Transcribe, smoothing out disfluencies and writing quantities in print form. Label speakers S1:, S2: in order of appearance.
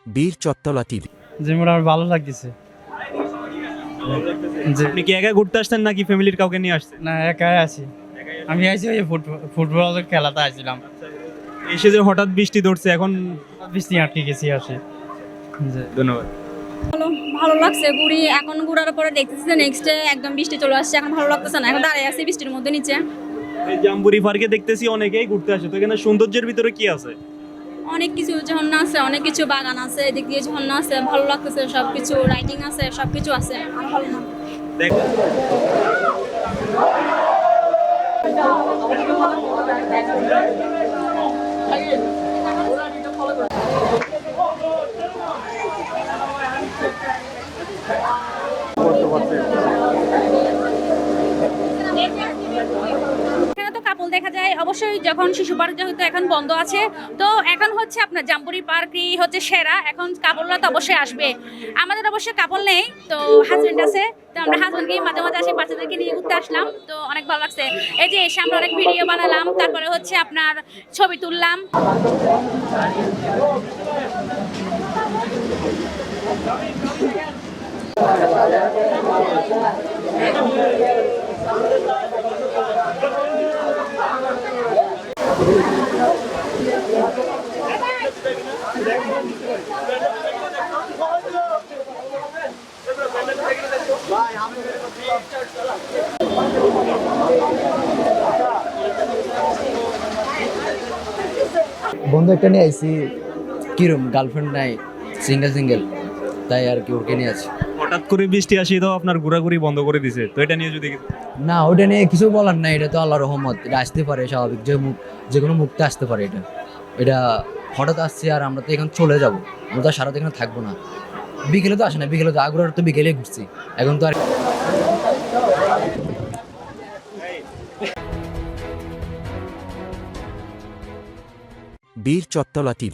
S1: বীর চত্তলা টিভি।
S2: যে মোটামুটি ভালো লাগতেছে।
S3: আপনি কি একা ঘুরতে আসছেন নাকি ফ্যামিলির কাউকে নিয়ে আসছেন?
S2: না, একাই আছি। আমি আইছি ওই ফুটবলের খেলাতে আসছিলাম।
S3: এসে যে হঠাৎ বৃষ্টি ধরছে এখন।
S2: বৃষ্টি আটকে গেছি আসে।
S3: ধন্যবাদ।
S4: ভালো লাগছে ঘুরি, এখন ঘুরার পরে দেখতেছি নেক্সট একদম বৃষ্টি চলে আসছে, এখন ভালো লাগতেছে না, এখন দাঁড়িয়ে আছি বৃষ্টির মধ্যে নিচে।
S3: এই জাম্বুরি পার্কে দেখতেছি অনেকেই ঘুরতে আসে, তো এখানে সৌন্দর্যের ভিতরে কি আছে?
S4: অনেক কিছু ঝর্ণা আছে, অনেক কিছু বাগান আছে, এদিক দিয়ে ঝর্ণা আছে, ভালো লাগতেছে, সবকিছু রাইডিং আছে, সবকিছু আছে, আর ভালো না।
S3: দেখ
S4: এখানে তো কাপল দেখা যায় অবশ্যই, যখন শিশু পার্ক যেহেতু এখন বন্ধ আছে, তো এখন হচ্ছে আপনার জাম্বুরি পার্কই হচ্ছে সেরা, এখন কাপলরা তো অবশ্যই আসবে। আমাদের অবশ্যই কাপল নেই, তো হাজবেন্ড আছে, তো আমরা হাজবেন্ডকে মাঝে মাঝে আসি, বাচ্চাদেরকে নিয়ে ঘুরতে আসলাম, তো অনেক ভালো লাগছে। এই যে এসে আমরা অনেক ভিডিও বানালাম, তারপরে হচ্ছে আপনার ছবি তুললাম।
S5: বন্ধু একটা নিয়ে আইছি, কিরম গার্লফ্রেন্ড নাই, সিঙ্গেল তাই আর কি ওকে নিয়ে আছি।
S3: হঠাৎ করে বৃষ্টি আসি তো আপনার ঘোরাঘুরি বন্ধ করে দিছে, তো এটা নিয়ে যদি
S5: না, ওটা নিয়ে কিছু বলার নাই, এটা তো আল্লাহর রহমত, এটা আসতে পারে স্বাভাবিক, যে কোনো মুক্তি আসতে পারে। এটা হঠাৎ আসছে, আর আমরা তো এখন চলে যাব, আমরা তো সারাদিন এখানে থাকবো না। বিকেলে তো আসে না, বিকেলে তো আগ্রহ তো বিকেলে ঘুরছি, এখন তো আর
S1: বীর চত্তলা টিভি।